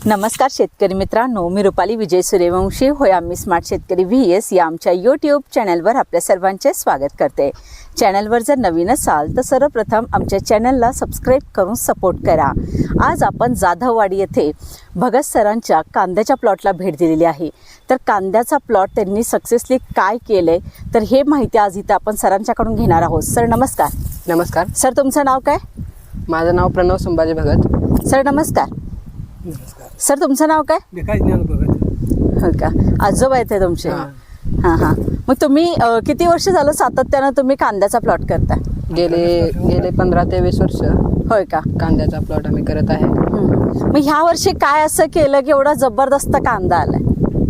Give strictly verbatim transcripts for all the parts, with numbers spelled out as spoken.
नमस्कार शेतकरी मित्रांनो, मी रुपाली विजय सूर्यवंशी होय आम्ही स्मार्ट शेतकरी व्ही एस या आमच्या यूट्यूब चॅनलवर आपल्या सर्वांचे स्वागत करते। चॅनलवर जर नवीन असाल तर सर्वप्रथम आमच्या चॅनलला सबस्क्राईब करून सपोर्ट करा। आज आपण जाधववाडी येथे भगत सरांच्या कांद्याच्या प्लॉटला भेट दिलेली आहे। तर कांद्याचा प्लॉट त्यांनी सक्सेसली काय केले तर हे माहिती आज इथे आपण सरांच्याकडून घेणार आहोत। सर नमस्कार। नमस्कार सर, तुमचं नाव काय? माझं नाव प्रणव संभाजी भगत। सर नमस्कार। सर तुमचं नाव काय? विकास ज्ञान भगत। हो का, आजोबा आहेत ते तुमचे? हां हां। मग तुम्ही अ, किती वर्ष झालं सातत्यानं तुम्ही कांद्याचा प्लॉट करता? गेले गेले पंधरा ते वीस वर्ष होय का? कांद्याचा प्लॉट आम्ही करत आहे। हम्म. मग ह्या वर्षी काय असं केलं की एवढा जबरदस्त कांदा आलाय?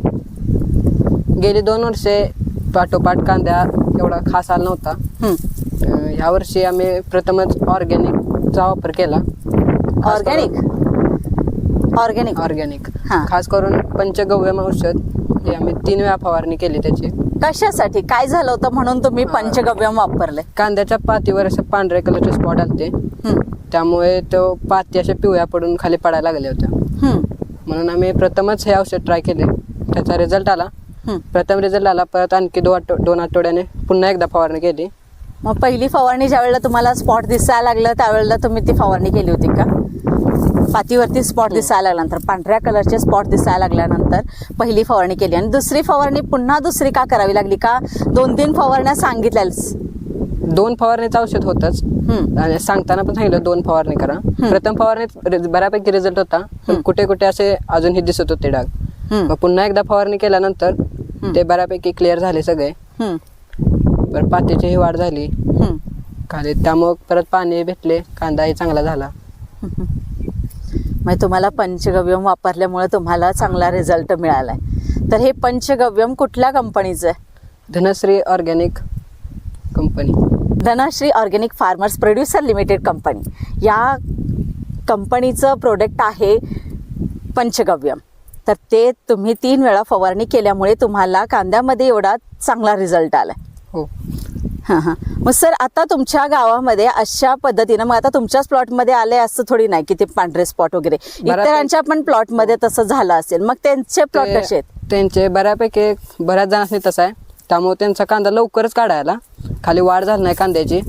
गेली दोन वर्षे पाठोपाठ कांद्या एवढा खास आला नव्हता। हम्म. अं, ह्या वर्षी आम्ही प्रथमच ऑर्गॅनिकचा वापर केला। ऑर्गॅनिक ऑर्गॅनिक ऑर्गॅनिक हां. खास करून पंचगव्यम औषध हे आम्ही तीन वेळा फवारणी केली त्याची। कशासाठी, काय झालं होतं म्हणून तुम्ही पंचगव्यम वापरले? कांद्याच्या पातीवर असे पांढरे कलरचे स्पॉट आलते, हम्म. त्यामुळे तो पाती अशा पिवळ्या पडून खाली पडायला लागल्या होत्या। हम्म. म्हणून आम्ही प्रथमच हे औषध ट्राय केले, त्याचा रिझल्ट आला। हम्म. प्रथम रिझल्ट आला, परत आणखी दोन आठव दोन आठवड्याने पुन्हा एकदा फवारणी केली। मग पहिली फवारणी ज्या वेळेला तुम्हाला स्पॉट दिसायला लागलं त्यावेळेला तुम्ही ती फवारणी केली होती का? पातीवरती स्पॉट दिसायला लागल्यानंतर, पांढऱ्या कलरचे स्पॉट दिसायला लागल्यानंतर पहिली फवारणी केली आणि दुसरी फवारणी पुन्हा दुसरी का करावी लागली? का दोन तीन फवारण्या सांगितल्याच? दोन फवारणीचं औषध होतच आणि सांगताना पण सांगितलं दोन फवारणी करा। प्रथम फवारणीत रि- बऱ्यापैकी रिझल्ट होता, पण कुठे कुठे असे अजूनही दिसत होते डाग। मग पुन्हा एकदा फवारणी केल्यानंतर ते बऱ्यापैकी क्लिअर झाले सगळे। परत पातीची ही वाढ झाली खाली, त्यामुळे परत पाणी भेटले, कांदाही चांगला झाला। मग तुम्हाला पंचगव्यम वापरल्यामुळे तुम्हाला चांगला रिझल्ट मिळालाय। तर हे पंचगव्यम कुठल्या कंपनीचं आहे? Dhanashri organic company. Dhanashri organic farmers producer limited company या कंपनीचं प्रोडक्ट आहे पंचगव्यम। तर ते तुम्ही तीन वेळा फवारणी केल्यामुळे तुम्हाला कांद्यामध्ये एवढा चांगला रिझल्ट आलाय। हो। हां हां। मग सर, आता तुमच्या गावामध्ये अशा पद्धतीनं, मग आता तुमच्याच प्लॉटमध्ये आले असं थोडी नाही की ते पांढरे स्पॉट वगैरे, इतरांच्या पण प्लॉटमध्ये तसं झालं असेल, मग त्यांचे प्लॉट ते- कसे आहेत? त्यांचे बऱ्यापैकी बऱ्याच जणांनी तसं आहे, त्यामुळे त्यांचा कांदा लवकरच काढायला, खाली वाढ झाली नाही कांद्याची।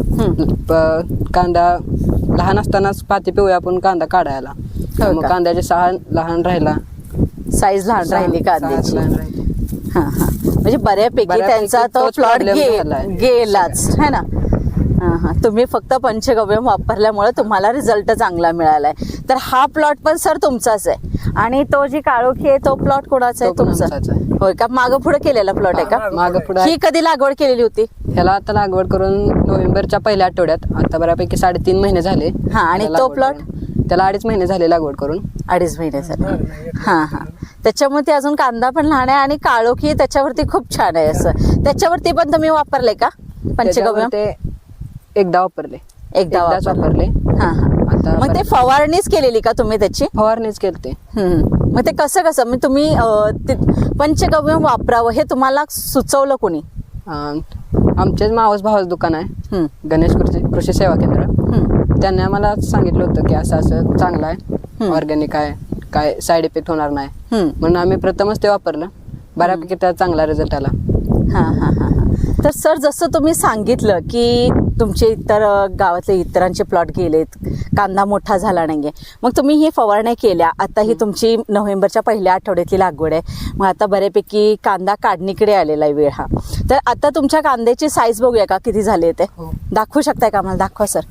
प- कांदा लहान असतानाच पाती पिवळ्या आपण कांदा काढायला, मग का? कांद्याची सहा लहान राहिला, साईज लहान राहिली सहा- कांद्याची? सहा लहान राहिली। हां हां। म्हणजे बऱ्यापैकी बऱ्यापैकी त्यांचा तो तोच प्लॉट problem गे झालाय. गेलाच है ना? हां हां। तुम्ही फक्त पंचगव्यम वापरल्यामुळे तुम्हाला रिझल्ट चांगला मिळालाय। तर हा प्लॉट पण सर तुमचाच आहे आणि तो जी काळोखी आहे तो प्लॉट कोणाचा आहे? तो पण तुमचा आमचाच आहे। होय का? मागं पुढे केलेला प्लॉट आहे का? मागं पुढे ही कधी लागवड केलेली होती? ह्याला आता लागवड करून नोव्हेंबरच्या पहिल्या आठवड्यात, आता बऱ्यापैकी साडेतीन महिने झाले। हां, आणि त्याला तो लागवड प्लॉट? करून. त्याला अडीच महिने झाले लागवड करून। अडीच महिने झाले। हां हां। त्याच्यामुळे ते अजून कांदा पण लहान आहे आणि काळोखी त्याच्यावरती खूप छान आहे असं। त्याच्यावरती पण तुम्ही वापरले का पंचगव्यम? त्याच्यावर ते एकदा वापरले, एकदा एकदाच वापरले। हां हां। आता मग ते फवारणीच केलेली का तुम्ही त्याची? फवारणीच केलते। हम्म. मग ते कसं कसं मग तुम्ही अं, ते पंचगव्यम वापरावं हे तुम्हाला सुचवलं कोणी? अं, आमचेच मावस भावाचं दुकान आहे, हम्म. गणेश कृषी कृषी सेवा केंद्र। हम्म. त्यांनी आम्हाला सांगितलं होतं की असं असं चांगलं आहे, ऑर्गॅनिक आहे, काय साईड इफेक्ट होणार नाही, हम्म. म्हणून आम्ही प्रथमच ते वापरलं। बऱ्यापैकी त्याचा चांगला रिझल्ट आला। हां हां हां हां। तर सर, जसं तुम्ही सांगितलं की तुमचे इतर अं, गावातले इतरांचे प्लॉट गेलेत, कांदा मोठा झाला नाहीये, मग तुम्ही ही फवारण्या केल्या, आता ही तुमची नोव्हेंबरच्या पहिल्या आठवड्यातली लागवड आहे, मग आता बऱ्यापैकी कांदा काढणीकडे आलेला आहे वेळ हा। तर आता तुमच्या कांद्याची साईज बघूया का किती झाली ते? हो. दाखवू शकताय का आम्हाला? दाखवा सर।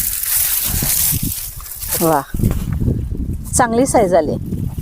वा, चांगली साईज आली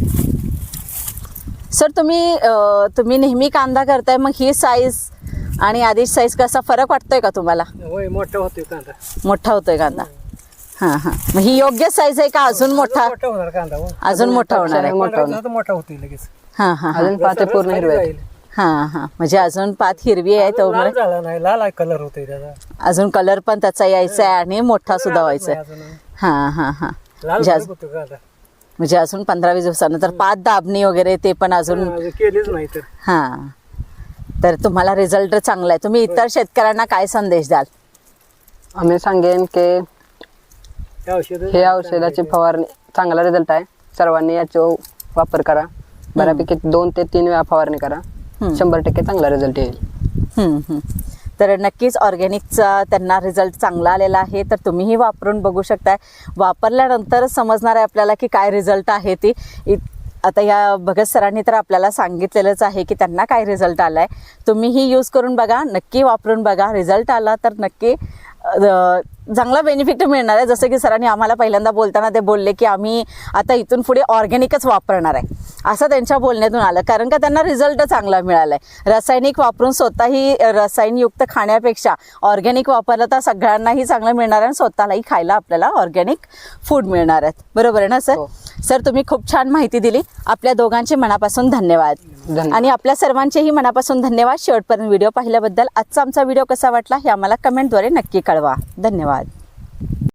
सर। तुम्ही अं, तुम्ही नेहमी कांदा करताय, मग ही साईज आणि आधीच साईज कसा फरक वाटतोय का तुम्हाला? होय, मोठा होतोय कांदा। मोठा होतोय कांदा? हां हां। मग ही योग्य साईज आहे का अजून मोठा? मोठा होणार कांदा हो. अजून मोठा होणार आहे? मोठा होणार. आता मोठा होतोय लगेच। हां हां हां। अजून पाते पूर्ण हिरवे आहेत। हां हां। म्हणजे अजून पात हिरवी आहे लाल त्यामुळे झाला नाही, लाल कलर होतोय त्याचा, अजून कलर पण त्याचा यायचा आहे आणि मोठा सुद्धा व्हायचा आहे। अजून हां हां हां। लाल म्हणजे भडक अजून- होतोय कांदा। म्हणजे अजून पंधरा वीस दिवसानंतर पात दाबणी वगैरे ते पण अजून? अजून केलीच नाही तर। हां। तर तुम्हाला रिझल्ट चांगला आहे। तुम्ही इतर शेतकऱ्यांना काय संदेश द्याल? आम्ही सांगेन की हे औषध हे औषधाची फवारणी चांगला रिझल्ट आहे, सर्वांनी याचा वापर करा, बऱ्यापैकी दोन ते तीन वेळा फवारणी करा, हम्म. शंभर टक्के चांगला रिझल्ट येईल. हम्म, हम्म. तर नक्कीच ऑर्गॅनिकचा त्यांना रिझल्ट चांगला आलेला आहे. तर तुम्हीही वापरून बघू शकताय. वापरल्यानंतरच समजणार आहे आपल्याला की काय रिझल्ट आहे ती. इत- आता या भगत सरांनी तर आपल्याला सांगितलेलंच आहे की त्यांना काय रिझल्ट आला आहे. तुम्हीही यूज करून बघा, नक्की वापरून बघा. रिझल्ट आला तर नक्की अ, चांगला बेनिफिट मिळणार आहे. जसं की सरांनी आम्हाला पहिल्यांदा बोलताना ते बोलले की आम्ही आता इथून पुढे ऑर्गॅनिकच वापरणार आहे, असं त्यांच्या बोलण्यातून आलं. कारण का त्यांना रिझल्ट चांगला मिळाला आहे. रासायनिक वापरून स्वतःही रसायनयुक्त खाण्यापेक्षा ऑर्गॅनिक वापरलं तर सगळ्यांनाही चांगलं मिळणार आहे आणि स्वतःलाही खायला आपल्याला ऑर्गॅनिक फूड मिळणार आहेत. बरोबर आहे ना सर? हो. सर तुम्ही खूप छान माहिती दिली. आपल्या दोघांचे मनापासून धन्यवाद. धन्यवाद. आणि आपल्या सर्वांचेही मनापासून धन्यवाद शेवटपर्यंत व्हिडिओ पाहिल्याबद्दल. आजचा आमचा व्हिडिओ कसा वाटला हे आम्हाला कमेंटद्वारे नक्की कळवा. धन्यवाद.